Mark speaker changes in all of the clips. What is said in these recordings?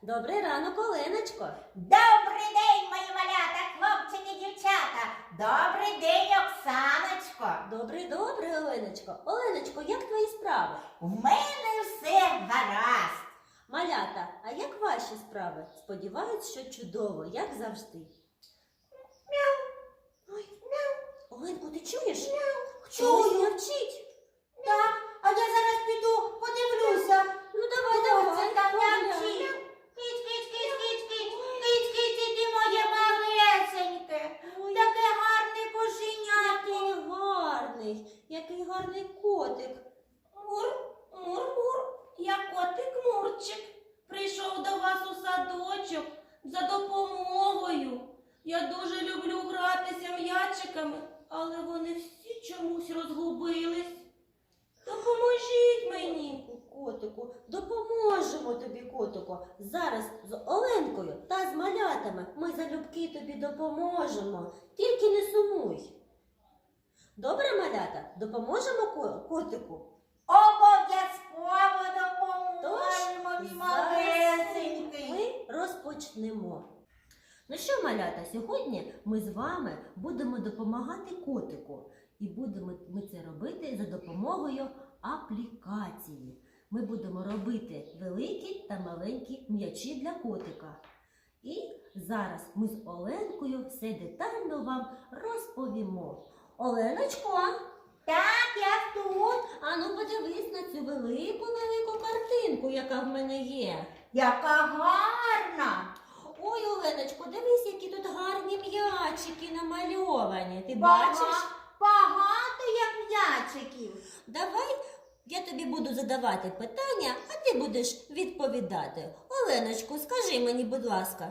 Speaker 1: Добрий ранок, Оленочко.
Speaker 2: Добрий день, мої малята, хлопчики, дівчата. Добрий день, Оксаночко.
Speaker 1: Добрий, Оленочко. Оленочко, як твої справи?
Speaker 2: У мене все гаразд.
Speaker 1: Малята, а як ваші справи? Сподіваюсь, що чудово, як завжди.
Speaker 2: Мяу.
Speaker 1: Ой, Оленко, ти чуєш?
Speaker 2: Чую.
Speaker 1: Хтось мовчить.
Speaker 2: Так, а я зараз піду, подивлюся.
Speaker 1: Ну давай,
Speaker 2: Хто це там
Speaker 1: погуляй.
Speaker 2: м'явчить? Киць, ти моє малесеньке.
Speaker 1: Ой,
Speaker 2: Таке гарне кошеняко.
Speaker 1: який гарний котик.
Speaker 2: Мур, я котик Мурчик. Прийшов до вас у садочок за допомогою. Я дуже люблю гратися м'ячиками, але вони всі чомусь розгубились. Допоможіть мені.
Speaker 1: Котику, допоможемо тобі, котику. Зараз з Оленкою та з малятами ми залюбки тобі допоможемо. Тільки не сумуй. Добре, малята? Допоможемо котику?
Speaker 2: Обов'язково допоможемо, мій малесенький.
Speaker 1: Ми розпочнемо. Ну що, малята, сьогодні ми з вами будемо допомагати котику. І будемо ми це робити за допомогою аплікації. Ми будемо робити великі та маленькі м'ячі для котика. І зараз ми з Оленкою все детально вам розповімо. Оленочко,
Speaker 2: Так, я тут.
Speaker 1: ану подивись на цю велику картинку, яка в мене є.
Speaker 2: Яка гарна.
Speaker 1: Ой, Оленочко, дивись, які тут гарні м'ячики намальовані. Ти бачиш?
Speaker 2: Багато як м'ячиків.
Speaker 1: Давай я тобі буду задавати питання, а ти будеш відповідати. Оленочко, скажи мені, будь ласка,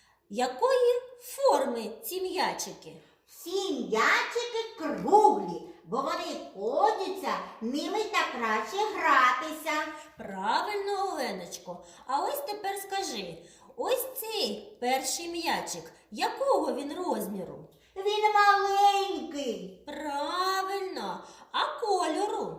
Speaker 1: якої форми ці м'ячики?
Speaker 2: Всі м'ячики круглі, бо вони ходяться, ними так краще гратися.
Speaker 1: Правильно, Оленочко. А ось тепер скажи, ось цей перший м'ячик, якого він розміру?
Speaker 2: Він маленький,
Speaker 1: Правильно. А кольору?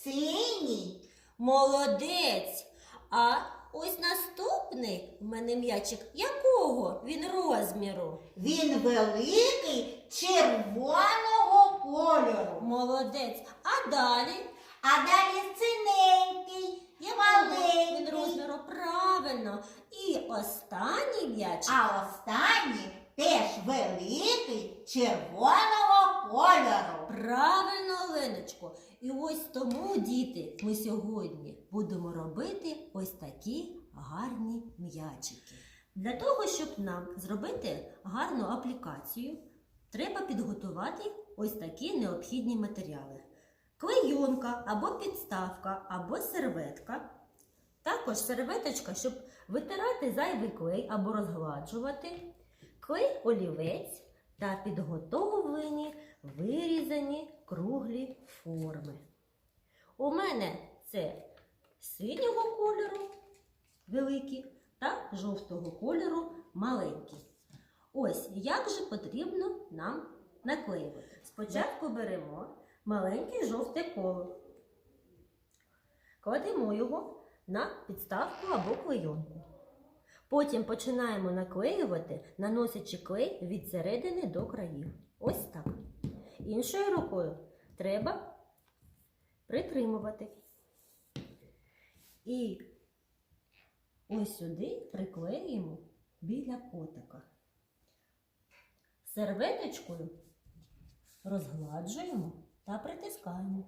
Speaker 2: синій.
Speaker 1: Молодець. А ось наступний в мене м'ячик, якого він розміру?
Speaker 2: Він великий, червоного кольору.
Speaker 1: Молодець. А далі?
Speaker 2: А далі синенький і
Speaker 1: Він
Speaker 2: маленький.
Speaker 1: розміру правильно. І останній м'ячик.
Speaker 2: А останній теж великий, червоного кольору.
Speaker 1: Правильно, Оленочко. І ось тому, діти, ми сьогодні будемо робити ось такі гарні м'ячики. Для того, щоб нам зробити гарну аплікацію, треба підготувати ось такі необхідні матеріали. Клейонка або підставка, або серветка. Також серветочка, щоб витирати зайвий клей або розгладжувати. Клей-олівець та підготовлені вирізані круглі форми. У мене це синього кольору великі та жовтого кольору маленькі. Ось як же потрібно нам наклеювати. Спочатку беремо маленьке жовте коло. Кладемо його на підставку або клейонку. Потім починаємо наклеювати, наносячи клей від середини до країв. Ось так. Іншою рукою треба притримувати. І ось сюди приклеїмо біля котика. Серветочкою розгладжуємо та притискаємо.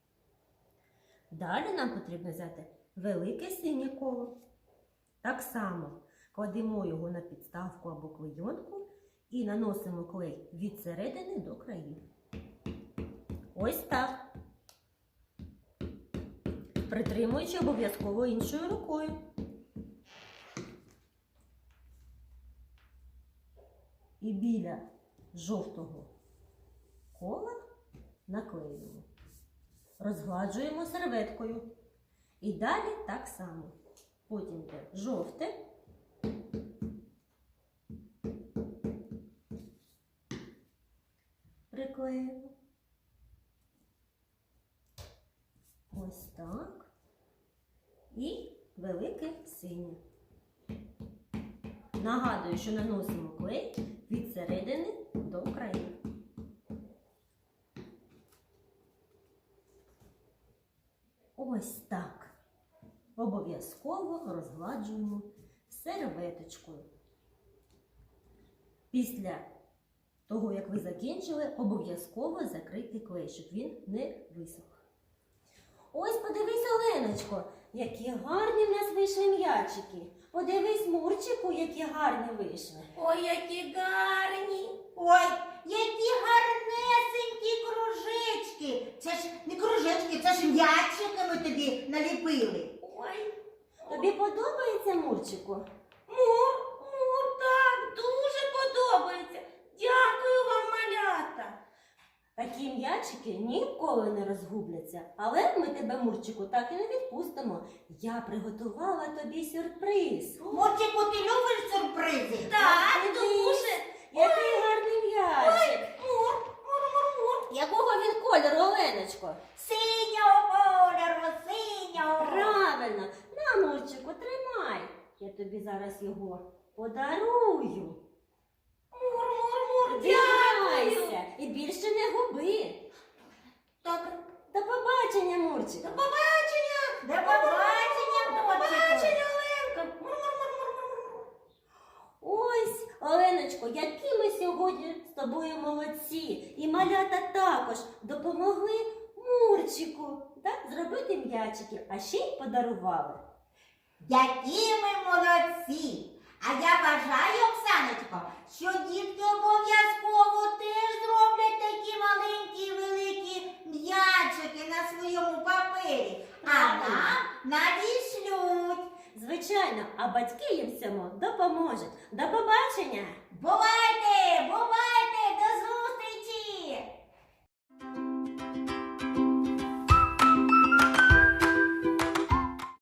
Speaker 1: Далі нам потрібно взяти велике синє коло. Так само кладемо його на підставку або клейонку і наносимо клей від середини до країв. Ось так. Притримуючи обов'язково іншою рукою. І біля жовтого кола наклеюємо. Розгладжуємо серветкою. І далі так само. Потім йде жовте. Приклеїмо. Ось так. І велике синє. нагадую, що наносимо клей від середини до краю. Ось так. Обов'язково розгладжуємо серветочкою. Після того, як ви закінчили, обов'язково закрити клей, щоб він не висох. Ось подивись, Оленочко, які гарні в нас вийшли м'ячики. Подивись, Мурчику, які гарні вийшли.
Speaker 2: Ой, які гарні.
Speaker 3: Ой, які гарнесенькі кружечки. Це ж не кружечки, це ж м'ячики ми тобі наліпили.
Speaker 2: Ой,
Speaker 1: Тобі подобається, Мурчику?
Speaker 2: Мур, так, дуже подобається. Дякую вам, малята.
Speaker 1: Такі м'ячики ніколи не розгубляться. Але ми тебе, Мурчику, так і не відпустимо. Я приготувала тобі сюрприз.
Speaker 3: Мурчику, ти любиш сюрпризи?
Speaker 2: Так,
Speaker 1: Дивись,
Speaker 2: дуже.
Speaker 1: Який гарний м'ячик.
Speaker 2: Мур.
Speaker 1: Якого він кольору, Оленочко?
Speaker 3: Синього кольору, синього.
Speaker 1: Правильно. На, Мурчику, тримай. Я тобі зараз його подарую.
Speaker 2: Мур,
Speaker 1: Дівайся і більше не губи.
Speaker 2: Так,
Speaker 1: До побачення, Мурчику.
Speaker 2: до побачення.
Speaker 3: До побачення,
Speaker 2: До
Speaker 3: Мурчику.
Speaker 2: побачення, Оленка. Мур.
Speaker 1: Ось, Оленочко, які ми сьогодні з тобою молодці. І малята також допомогли Мурчику зробити м'ячики, а ще й подарували.
Speaker 3: Які ми молодці! А я бажаю, Оксаночко, що дітки обов'язково теж зроблять такі маленькі і великі м'ячики на своєму папері, а нам надішлють.
Speaker 1: Звичайно, а батьки їм в цьому допоможуть. До побачення!
Speaker 3: Бувайте! Бувайте!